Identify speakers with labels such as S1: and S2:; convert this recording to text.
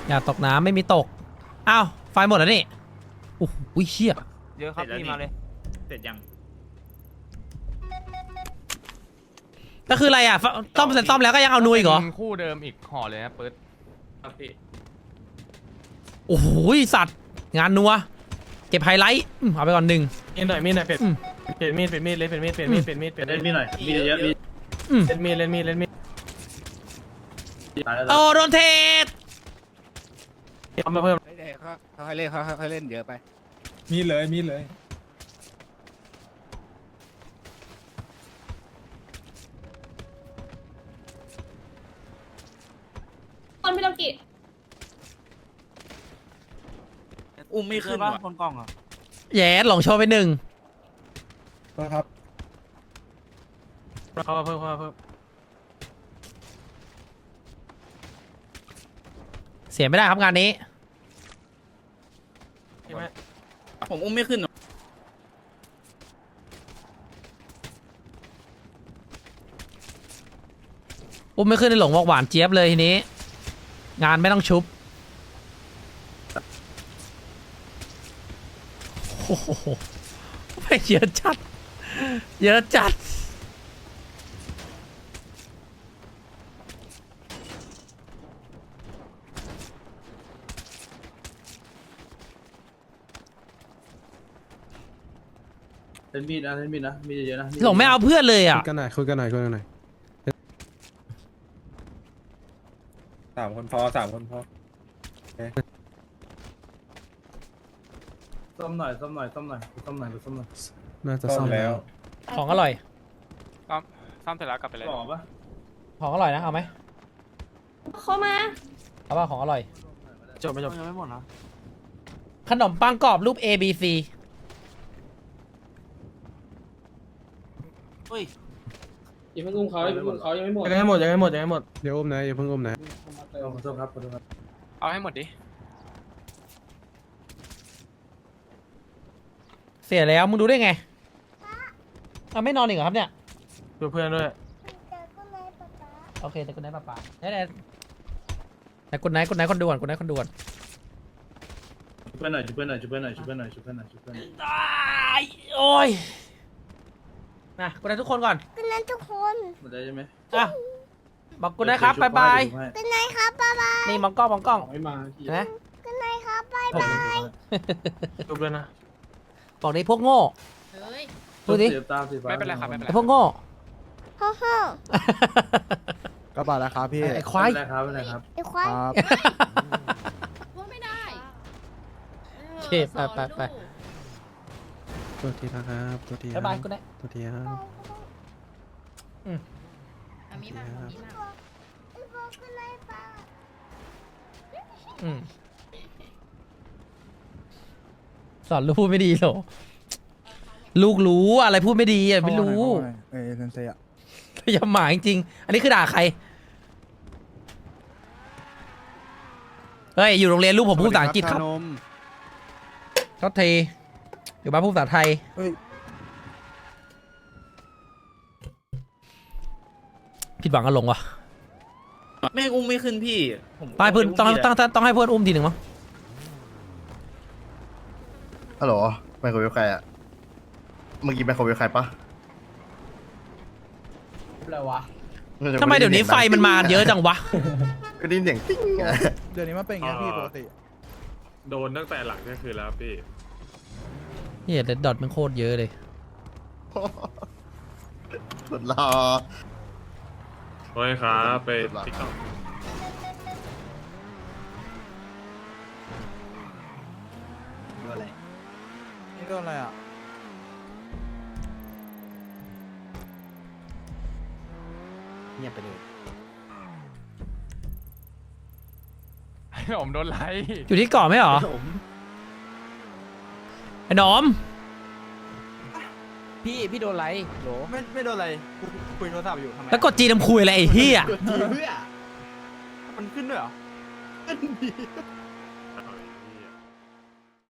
S1: อย่าตกน้ำไม่มีตกอ้าวไฟหมดแล้วนี่โอ้โหเชี่ย
S2: เยอะครับพี่มาเลย
S3: เสร็จยัง
S1: ก็คืออะไรอ่ะซ่อมเสร็จซ่อมแล้วก็ยังเอานุยอีกเหรอ
S4: เป็นคู่เดิมอีกห่อเลยนะเปิด
S3: ครับพี่
S1: โอ้โหสัตว์งานนัวเก็บไฮไลท์เอาไปก่อนหนึ่ง
S5: มีดหน่อยมีดหน่อยเปลี่ยนมีดเลยเปลี่ยนมีดเปลี่ยนมีดเปลี่ยนมีดเปลี่ยน
S3: เล่น
S5: มีด
S3: มีหน่อยมีเยอะมี
S5: เล่นมีดเล่นมีดเล่นมีด
S3: ตายแล้ว
S1: โอ้โดนเทส
S5: เอามาเพิ่ม
S6: เขาให้เล่นเขาให้เล่นเยอะไป
S7: มีเลย
S8: คนพี่โลกิ
S2: อุ้มไม่ขึ้นว่ะคนกล้องอ่ะ
S1: แย่หลงโชว์ไปหนึ่ง
S7: นะครับ
S5: เข้ามาเพิ่มเข้ามาเพิ่ม
S1: เสียไม่ได้ครับงานนี้
S5: ใช่ไหม
S2: ผมอุ้มไม่ขึ้น
S1: อุ้มไม่ขึ้นในหลงบอกหวานเจี๊ยบเลยทีนี้ งานไม่ต้องชุบโอ้โหไม่เยอะจัดเยอะจัด
S3: เล่นมีดนะเล่นมีดนะมีเยอะนะ
S1: หลงไม่เอาเพื่อนเลยอ่ะ
S7: คุยกันหน่อยคุยกันหน่อย3 คนพอ3 คนพอ
S3: ซ่อมหน่อยซ่อมหน่อยซ่อมหน่อยซ่อมหน่อยซ่อมหน่อย
S7: น่าจะซ่อมแล้ว
S1: ของอร่อย
S4: ซ่อมเสร็จแล้วกลับไปเลย
S3: หล่อปะ
S1: ของอร่อยนะเอาไหม
S8: เข้ามา
S1: เอาป่ะของอร่อย
S5: จบไม่จบ
S2: ยังไม่หมดนะ
S1: ขนมปังกรอบรูป A B C
S2: เฮ้ย
S5: ยังไม่อุ้มเขายังไม่หมดเขายังไม่หมดยังไม่หมดยังไม่หมดยังไม่หมด
S7: เดี๋ยวอุ้มนะอย่าเพิ่งอุ้มนะ
S3: ขอโทษครับขอโทษครับ
S4: เอาให้หมดดิ
S1: เสียแล้วมึงดูได้ไงเอาไม่นอนอีกเหรอครับเนี่ย
S5: ดูเพื่อนด้วย
S1: โอเคแต่คุณนายป้าแต่คุณนายคนด่วนคุณนายคนด่วน
S3: ช่วยเพื่อนหน่อยช่วยเพื่อนหน่อยช่วยเพื่อนหน่อยช่วยเพื่อนหน่อยช่วยเพื่อนหน่อยช่วยเพื่อนหน่อย
S1: ตายโอ้ยนะคุณนายทุกคนก่อน
S8: เป็นนั้นทุกคน
S3: หมดได้ใช่ไหม
S1: อ่ะบอกคุณนายครับบายบาย
S8: เป็นไงครับบ๊ายบาย
S1: นี่มองกล้องมองกล้อง
S3: ไม่มา
S1: เห็นะ
S8: เป็นไงครับบ๊ายบาย
S5: จบเลยนะ
S1: บอกดิพวกโง่
S8: เฮ้ย
S1: ดูดิ
S3: เสียบตาสีฟ้า
S4: ไม่เป็นไรครับไม่เป็นไร
S1: ไอ้พวกโง่
S8: ฮ่าฮ่า
S6: ก็บาแล้วครับพี่
S1: ไอ้ควาย
S3: ไม่เป็นไรครับไม่เป็นไรครับ
S8: ไอ้ควาย
S6: ครับ
S8: พูดไม่ได้
S1: โอเคไป
S7: ตัวทีนะครับตัวที
S1: บายบายคุณนาย
S7: ตัวทีครับ
S8: อามีมาอามีมา
S1: อืมสอนลูกพูดไม่ดีเหรอลูกรู้อะไรพูดไม่ดีอ่ะไม่รู้
S6: เอ้ยเซนเซอะ
S1: อย่าหมาจริงๆอันนี้คือด่าใครเฮ้ยอยู่โรงเรียนลูกผมพูดภาษาอังกฤษครับ
S6: นม
S1: โทษทีอยู่บ้านพูดภาษาไทย
S6: เฮ้ย
S1: ผิดหวังกันลงวะ
S2: ไม่อุ้มไม่ขึ้นพี่ผม
S1: ไปเพื่อนต้องให้เพื่อนอุ้มทีหนึ่งมั้ง
S9: ฮัลโหลไมโครเวฟใครอะเมื่อกี้ไมโครเวฟใครปะ
S1: อะไรวะทำไมเดี๋ยวนี้ไฟมันมาเยอะจังวะ
S9: ก็ได้ยินเสียงติ๊งอะ
S6: เดี๋ยวนี้มันเป็นอย่างนี้พี่ปกติ
S7: โดนตั้งแต่หลังเที่ยงคืนแล้วพี่
S1: เฮียเดดดอทมันโคตรเยอะเลย
S9: สุดรอ
S7: โอ้ยครับไป
S9: ติ๊กต็อก
S6: นี่โดนอะไรอ่ะ
S9: เงียบไปเลย
S4: ผมโดนไล่
S1: อยู่ที่เกาะไหมเหรอไอ้หนอม
S2: พี่โดนไรโหล
S5: ไม่โดนอะไรคุยโทรศัพท์อยู่ทำไม
S1: แล้วกดจีนำคุยอะไรไอ้เฮีย
S5: มันขึ้นด้วยเหรอ